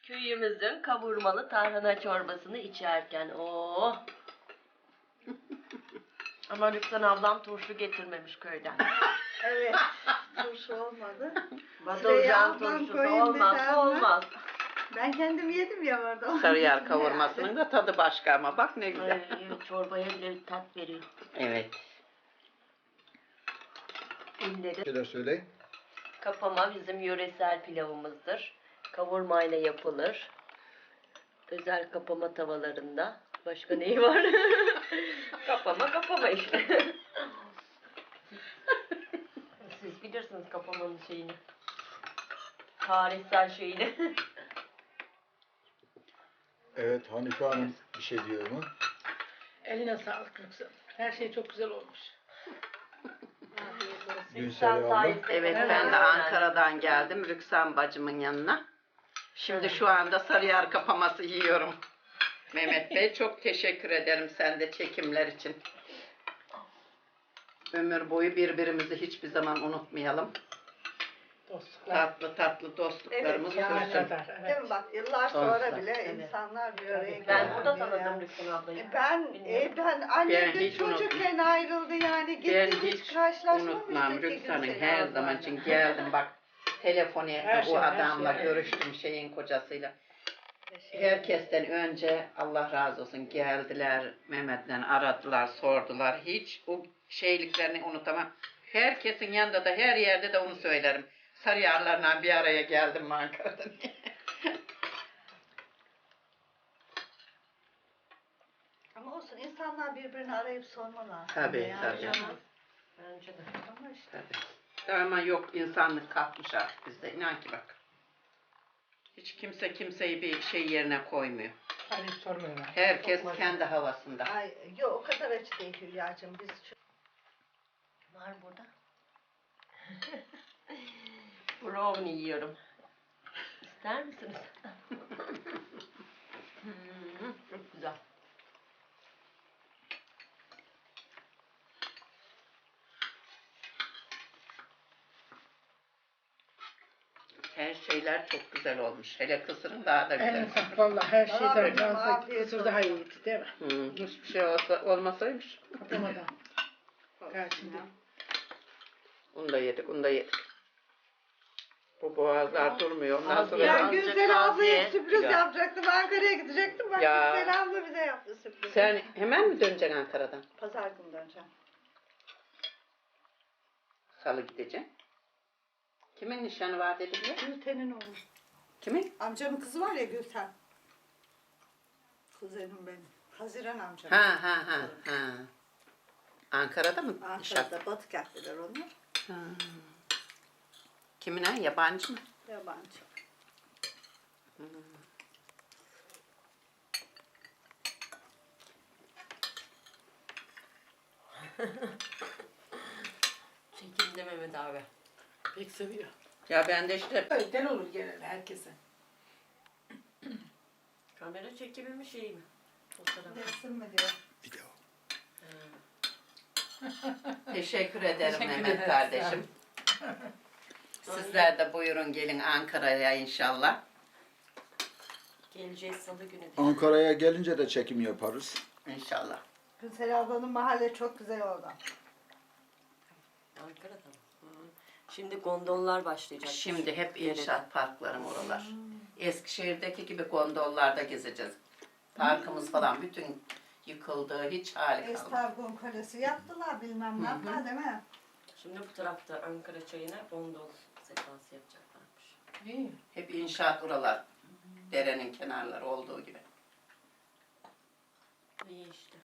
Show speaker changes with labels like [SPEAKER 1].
[SPEAKER 1] Köyümüzün kavurmalı tarhana çorbasını içerken Ama Rüksan ablam turşu getirmemiş köyden.
[SPEAKER 2] Evet. Turşu olmadı.
[SPEAKER 1] Badolcan turşusu olmazsa olmaz.
[SPEAKER 2] Ben kendim yedim ya orada.
[SPEAKER 3] Sarıyer kavurmasının da tadı başka ama bak ne güzel.
[SPEAKER 1] Ay, çorbaya bile bir tat veriyor.
[SPEAKER 3] Evet.
[SPEAKER 1] İlleri
[SPEAKER 4] Şeyler söyleyin.
[SPEAKER 1] kapama bizim yöresel pilavımızdır. Kavurmayla yapılır. Özel kapama tavalarında. Başka neyi var? Kapama işte. Siz bilirsiniz kapamanın şeyini. Tarihsel şeyini.
[SPEAKER 4] Evet, Hanife Hanım bir şey diyor mu?
[SPEAKER 5] Eline sağlık Rüksan. Her şey çok güzel olmuş.
[SPEAKER 4] Gülsel abla.
[SPEAKER 3] Evet ben de Ankara'dan geldim Rüksan bacımın yanına. Şimdi şu anda Sarıyer kapaması yiyorum. Mehmet Bey çok teşekkür ederim sen de çekimler için. Ömür boyu birbirimizi hiçbir zaman unutmayalım.
[SPEAKER 5] Dostluklar.
[SPEAKER 3] Tatlı tatlı dostluklarımız
[SPEAKER 2] Evet,
[SPEAKER 5] Ne
[SPEAKER 3] sürsün.
[SPEAKER 5] kadar.
[SPEAKER 2] Değil
[SPEAKER 5] Evet.
[SPEAKER 2] mi bak yıllar
[SPEAKER 3] Sonsuza.
[SPEAKER 2] sonra bile
[SPEAKER 1] Evet.
[SPEAKER 2] insanlar bir araya geliyor.
[SPEAKER 1] Ben burada
[SPEAKER 2] ya.
[SPEAKER 1] tanıdım Rüksan ablayı.
[SPEAKER 2] Ben annem de
[SPEAKER 3] hiç
[SPEAKER 2] çocukken ayrıldı yani.
[SPEAKER 3] Ben
[SPEAKER 2] Gittik
[SPEAKER 3] hiç
[SPEAKER 2] hiç karşılaşmamıştık.
[SPEAKER 3] unutmam
[SPEAKER 2] iki gün
[SPEAKER 3] Rüksan'ın
[SPEAKER 2] seni
[SPEAKER 3] her
[SPEAKER 2] ablayla.
[SPEAKER 3] zaman için geldim bak. Telefon ettim
[SPEAKER 5] Her şey,
[SPEAKER 3] o
[SPEAKER 5] her
[SPEAKER 3] adamla
[SPEAKER 5] şey.
[SPEAKER 3] görüştüm şeyin kocasıyla.
[SPEAKER 2] Teşekkür ederim.
[SPEAKER 3] Herkesten önce Allah razı olsun geldiler Mehmet'le aradılar sordular. Hiç o şeyliklerini unutamam. Herkesin yanında da her yerde de onu söylerim. Sarıyerlerle bir araya geldim Ankara'da.
[SPEAKER 2] Ama olsun insanlar birbirini arayıp sormalar.
[SPEAKER 3] Tabii,
[SPEAKER 2] Yani
[SPEAKER 3] tabii.
[SPEAKER 2] canım.
[SPEAKER 1] Bence de.
[SPEAKER 2] Ama işte.
[SPEAKER 3] Tabii. Ama yok insanlık kalkmış artık bizde. İnan ki bak. Hiç kimse kimseyi bir şey yerine koymuyor.
[SPEAKER 5] Arayıp sormuyorlar.
[SPEAKER 3] Herkes kendi havasında.
[SPEAKER 2] Ay, yok o kadar açı değil Hülya'cığım. Biz
[SPEAKER 1] Var burada. Brownie yiyorum. İster misiniz? Çok güzel.
[SPEAKER 3] Her şeyler çok güzel olmuş. Hele kısırın daha da
[SPEAKER 5] En
[SPEAKER 3] güzel.
[SPEAKER 5] ufak valla her şeyden
[SPEAKER 2] Afiyet
[SPEAKER 5] fazla
[SPEAKER 2] olsun.
[SPEAKER 5] kısır daha iyiydi değil mi?
[SPEAKER 3] Hiçbir şey olmasaymış.
[SPEAKER 5] Kapamadan. Karşında.
[SPEAKER 3] Onu da yedik, onu da yedik. Bu boğazlar durmuyor. Ondan
[SPEAKER 1] Afiyet
[SPEAKER 3] sonra
[SPEAKER 2] Ya
[SPEAKER 1] olsun.
[SPEAKER 2] Gülsel ablaya
[SPEAKER 1] Afiyet.
[SPEAKER 2] sürpriz
[SPEAKER 3] Ya.
[SPEAKER 2] yapacaktım. Ankara'ya gidecektim. Bak
[SPEAKER 3] Ya.
[SPEAKER 2] Gülsel abla bize yaptı sürpriz.
[SPEAKER 3] sen hemen mi döneceksin Ankara'dan?
[SPEAKER 2] Pazar günü döneceğim.
[SPEAKER 3] Salı gideceksin. Kimin nişanı var dediler?
[SPEAKER 2] Gülten'in oğlu.
[SPEAKER 3] Kimin?
[SPEAKER 2] Amcamın kızı var ya Gülten. Kuzenim benim. Haziran amcam.
[SPEAKER 3] Ha. Ankara'da mı nişan?
[SPEAKER 2] Ankara'da Batık yaptılar onu.
[SPEAKER 3] Ha. Kimin ha? Yabancı mı?
[SPEAKER 2] Yabancı.
[SPEAKER 1] Çekimde Mehmet abi.
[SPEAKER 5] Pek seviyor.
[SPEAKER 3] Ya ben de işte
[SPEAKER 5] Öyle olur genelde herkese.
[SPEAKER 1] Kamera çekimi mi şey mi? Fotoğraf.
[SPEAKER 2] Resim mi diyor?
[SPEAKER 4] Video.
[SPEAKER 3] teşekkür ederim
[SPEAKER 5] Teşekkür
[SPEAKER 3] Mehmet
[SPEAKER 5] ederiz.
[SPEAKER 3] kardeşim. Sizler de buyurun gelin Ankara'ya inşallah.
[SPEAKER 1] Geleceğiz salı günü de.
[SPEAKER 4] Ankara'ya gelince de çekim yaparız.
[SPEAKER 3] İnşallah.
[SPEAKER 2] Gülsel ablanın mahalle çok güzel orada.
[SPEAKER 1] Ankara'da mı? Hı. Şimdi gondollar başlayacak.
[SPEAKER 3] Şimdi hep
[SPEAKER 1] Nerede?
[SPEAKER 3] inşaat parklarım oralar. Eskişehir'deki gibi gondollarda gezeceğiz. Parkımız falan bütün yıkıldı. Hiç hali kalmadı.
[SPEAKER 2] Estargon Kalesi yaptılar bilmem ne yaptılar değil mi?
[SPEAKER 1] Şimdi bu tarafta Ankara çayına gondol sekansı yapacaklarmış.
[SPEAKER 5] İyi.
[SPEAKER 3] Hep inşaat oralar. Derenin kenarları olduğu gibi.
[SPEAKER 1] İyi işte.